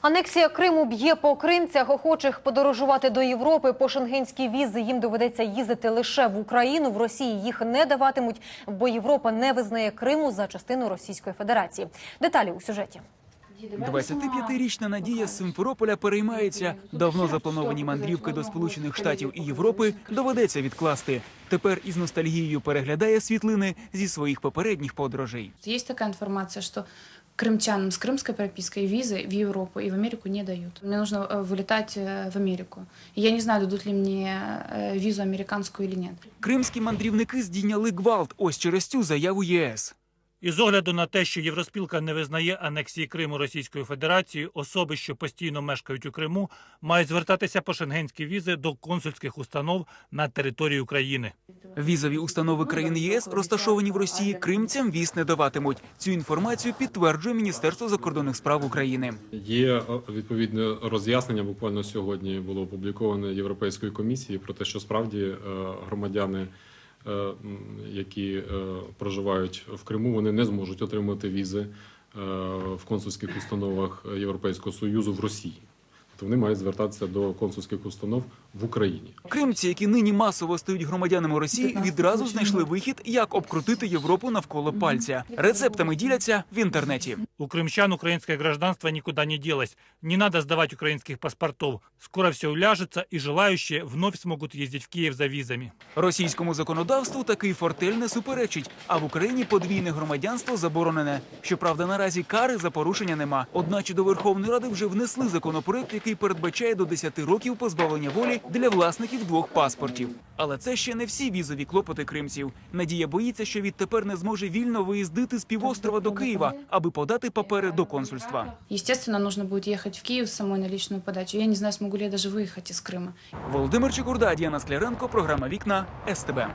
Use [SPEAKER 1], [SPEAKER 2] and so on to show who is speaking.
[SPEAKER 1] Анексія Криму б'є по кримцях. Охочих подорожувати до Європи по шенгенській візи їм доведеться їздити лише в Україну. В Росії їх не даватимуть, бо Європа не визнає Криму за частину Російської Федерації. Деталі у сюжеті.
[SPEAKER 2] 25-річна Надія з Симферополя переймається. Давно заплановані мандрівки до Сполучених Штатів і Європи доведеться відкласти. Тепер із ностальгією переглядає світлини зі своїх попередніх подорожей.
[SPEAKER 3] Є така інформація, що крымчанам с крымской пропиской визы в Европу и в Америку не дают. Мне нужно вылетать в Америку. И я не знаю, дадут ли мне визу американскую или нет.
[SPEAKER 2] Кримські мандрівники здійняли гвалт ось через цю заяву ЄС.
[SPEAKER 4] Із огляду на те, що Євроспілка не визнає анексії Криму Російською Федерацією, особи, що постійно мешкають у Криму, мають звертатися по шенгенські візи до консульських установ на території України.
[SPEAKER 2] Візові установи країн ЄС, розташовані в Росії, кримцям віз не даватимуть. Цю інформацію підтверджує Міністерство закордонних справ України.
[SPEAKER 5] Є відповідне роз'яснення, буквально сьогодні було опубліковане Європейською комісією про те, що справді громадяни, які проживають в Криму, вони не зможуть отримати візи в консульських установах Європейського Союзу в Росії. Тобто вони мають звертатися до консульських установ в Україні.
[SPEAKER 2] Кримці, які нині масово стають громадянами Росії, відразу знайшли вихід, як обкрутити Європу навколо пальця. Рецептами діляться в інтернеті.
[SPEAKER 4] У крымчан украинское гражданство никуда не делось. Не надо сдавать украинских паспортов. Скоро все уляжется, и желающие вновь смогут ездить в Киев за визами.
[SPEAKER 2] Російському законодавству такий фортель не суперечить, а в Україні подвійне громадянство заборонене. Щоправда, наразі кари за порушення нема. Одначе до Верховної Ради вже внесли законопроект, який передбачає до 10 років позбавлення волі для власників двох паспортів. Але це ще не всі візові клопоти кримців. Надія боїться, що відтепер не зможе вільно виїздити з півострова до Києва, аби подати папери до консульства.
[SPEAKER 3] Естественно, нужно будет ехать в Киев самой на личную подачу. Я не знаю, смогу ли я даже выехать из Крыма.
[SPEAKER 2] Володимир Чекурда, Діана Скляренко, програма «Вікна», СТБ.